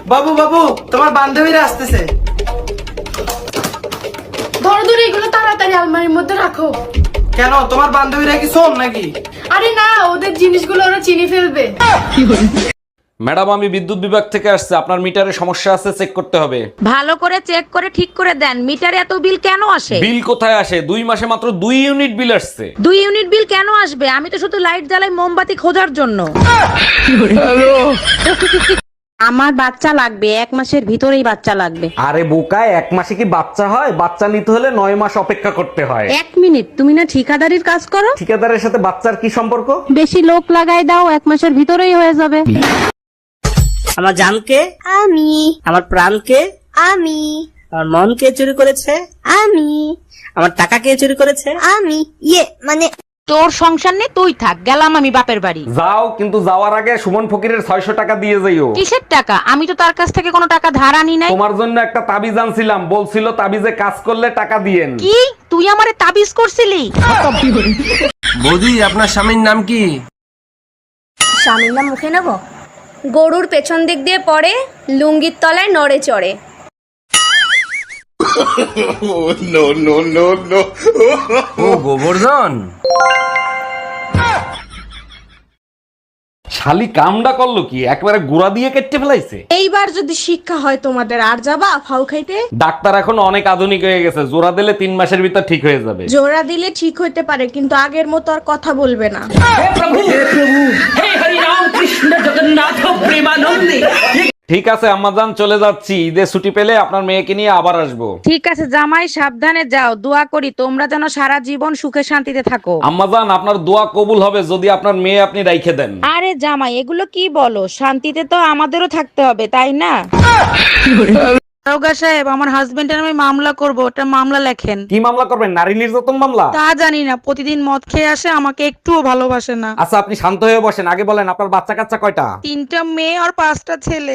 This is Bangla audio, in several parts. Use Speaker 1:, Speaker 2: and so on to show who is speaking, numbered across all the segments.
Speaker 1: বাবু বাবু, তোমার বান্ধবীরা আসতেছে।
Speaker 2: ধরো ধরো, এগুলো তাড়াতাড়ি আলমারির মধ্যে রাখো।
Speaker 1: কেন, তোমার বান্ধবীরা কি শোন নাকি?
Speaker 2: আরে না, ওদের জিনিসগুলো ওরা চিনি ফেলবে।
Speaker 3: ম্যাডাম, আমি বিদ্যুৎ বিভাগ থেকে আসছে, আপনার মিটারে সমস্যা আছে, চেক করতে হবে।
Speaker 4: ভালো করে চেক করে ঠিক করে দেন। মিটারে এত বিল কেন আসে?
Speaker 3: বিল কোথায় আসে? 2 মাসে মাত্র 2 ইউনিট বিল আসছে।
Speaker 4: 2 ইউনিট বিল কেন আসবে? আমি তো শুধু লাইট জ্বালাই মোমবাতি খোঁজার জন্য। আমার বাচ্চা লাগবে, 1 মাসের ভিতরেই বাচ্চা লাগবে।
Speaker 3: আরে বোকায়, 1 মাসে কি বাচ্চা হয়? বাচ্চা নিতে হলে 9 মাস অপেক্ষা করতে হয়।
Speaker 4: 1 মিনিট, তুমি না ঠিকাদারির কাজ করো?
Speaker 3: ঠিকাদারের সাথে বাচ্চার কি সম্পর্ক?
Speaker 4: বেশি লোক লাগাই দাও, 1 মাসের ভিতরেই হয়ে যাবে।
Speaker 5: আমার জানকে
Speaker 6: আমি
Speaker 5: আমার প্রাণকে
Speaker 6: আমি
Speaker 5: আমার মন কে চুরি করেছে?
Speaker 6: আমি
Speaker 5: আমার টাকা কে চুরি করেছে?
Speaker 6: আমি মানে
Speaker 4: তোর সংসার নেই, তুই থাক, গেলাম আমি বাপের বাড়ি।
Speaker 3: যাও, কিন্তু যাওয়ার আগে সুমন ফকিরের 600 টাকা দিয়ে যাইও।
Speaker 4: কিসের টাকা? আমি তো তার কাছ থেকে কোনো টাকা ধার আনি নাই।
Speaker 3: তোমার জন্য একটা তাবিজ আনছিলাম, বলছিল তাবিজে কাজ করলে টাকা দিয়েন।
Speaker 4: কি তুই আমারে তাবিজ করছিলি?
Speaker 7: বৌদি, আপনার স্বামীর নাম কি?
Speaker 6: স্বামীর নাম মুখে নেব? গরুর পেছন দিক দিয়ে পড়ে, লুঙ্গির তলায় নড়ে চড়ে।
Speaker 7: ও গোবর্ধন।
Speaker 3: শালি কামডা করলো কি? একবারে গুড়া দিয়ে কেটে ফেলাইছে।
Speaker 2: এইবার যদি শিক্ষা হয় তোমাদের, আর যাবা ফাউ খাইতে?
Speaker 3: ডাক্তার এখন অনেক আধুনিক হয়ে গেছে, জোড়া দিলে 3 মাসের ভিতর ঠিক হয়ে যাবে।
Speaker 2: জোড়া দিলে ঠিক হইতে পারে, কিন্তু আগের মতো আর কথা বলবে না।
Speaker 3: ঠিক আছে আম্মাজান, চলে যাচ্ছি। ঈদের ছুটি পেলে আপনার মেয়েকে নিয়ে আবার আসবো।
Speaker 4: ঠিক আছে জামাই, সাবধানে যাও। দোয়া করি তোমরা যেন সারা জীবন সুখে শান্তিতে থাকো।
Speaker 3: আম্মাজান, আপনার দোয়া কবুল হবে যদি আপনার মেয়ে আপনি রাইখে দেন।
Speaker 4: আরে জামাই, এগুলো কি বলো? শান্তিতে তো আমাদেরও থাকতে হবে, তাই না? দারোগা সাহেব, আমার হাজবেন্ডের আমি মামলা করব, ওটা মামলা লেখেন।
Speaker 3: কি মামলা করবেন? নারী নির্যাতন মামলা?
Speaker 4: তা জানি না, প্রতিদিন মদ খেয়ে আসে, আমাকে একটুও ভালোবাসে না।
Speaker 3: আচ্ছা, আপনি শান্ত হয়ে বসেন, আগে বলেন আপনার বাচ্চা কাচ্চা কয়টা?
Speaker 4: 3টা মেয়ে আর 5টা ছেলে।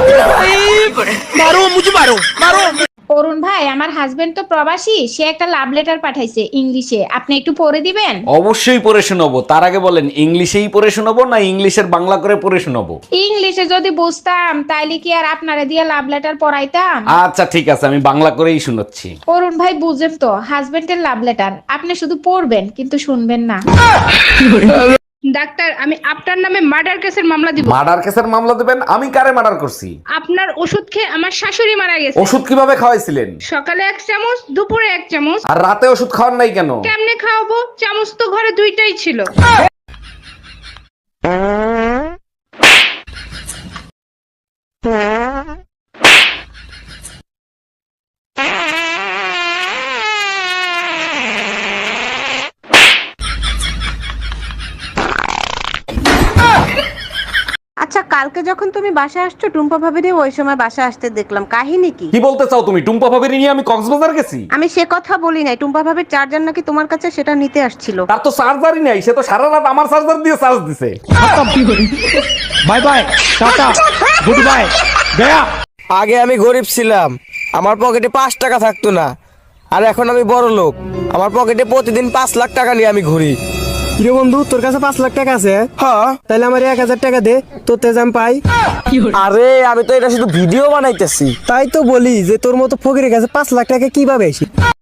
Speaker 8: অরুণ ভাই, আমার হাজবেন্ড তো প্রবাসী, সে একটা লাভ লেটার পাঠাইছে ইংলিশে, আপনি একটু পড়ে দিবেন?
Speaker 3: অবশ্যই পড়ে শোনাবো। তার আগে বলেন, ইংলিশেই পড়ে শোনাবো না ইংলিশের বাংলা করে পড়ে শোনাবো?
Speaker 8: ইংলিশে যদি বুঝতাম তাইলে কি আর আপনারে দিয়ে লাভ লেটার পড়াইতাম?
Speaker 3: আচ্ছা ঠিক আছে, আমি বাংলা করেই শোনাচ্ছি।
Speaker 8: অরুণ ভাই, বুঝেন তো, হাজবেন্ডের লাভ লেটার, আপনি শুধু পড়বেন কিন্তু শুনবেন না। ডাক্তার, আমি আপনার নামে মার্ডার কেসের মামলা দিব।
Speaker 3: মার্ডার কেসের মামলা দেবেন? আমি কারে মার্ডার করছি?
Speaker 8: আপনার ওষুধ খেয়ে আমার শাশুড়ি মারা গেছে।
Speaker 3: ওষুধ কিভাবে খাওয়াইছিলেন?
Speaker 8: সকালে 1 চামচ, দুপুরে 1 চামচ।
Speaker 3: আর রাতে ওষুধ খাওয়ার নাই কেন?
Speaker 8: কেমনে খাওয়াবো? চামচ তো ঘরে 2টাই ছিল।
Speaker 4: আচ্ছা, কালকে যখন তুমি বাসায় আসছো, টুম্পা ভাবিরে ওই সময় বাসায় আসতে দেখলাম, কাহিনী কি?
Speaker 3: কি বলতে চাও তুমি? টুম্পা ভাবির নিয়ে আমি কক্সবাজার গেছি?
Speaker 4: আমি সে কথা বলি নাই, টুম্পা ভাবির চার্জার নাকি তোমার কাছে, সেটা নিতে আসছিল।
Speaker 3: তার তো চার্জারই নাই, সে তো সারা রাত আমার চার্জার দিয়ে চার্জ দিছে।
Speaker 7: Bye bye, tata, goodbye, গয়া।
Speaker 1: আগে আমি গরিব ছিলাম, আমার পকেটে 5 টাকা থাকতো না। আর এখন আমি বড় লোক, আমার পকেটে প্রতিদিন 5 লাখ টাকা নিয়ে আমি ঘুরি।
Speaker 9: রে বন্ধু, তোর কাছে 5 লাখ টাকা আছে?
Speaker 1: হ্যাঁ।
Speaker 9: তাহলে আমার 1000 টাকা দে, তোর তেজ আমি পাই।
Speaker 1: আরে আমি তো এটা শুধু ভিডিও বানাইতেছি।
Speaker 9: তাই তো বলি যে তোর মতো ফকিরের কাছে 5 লাখ টাকা কিভাবে আসি।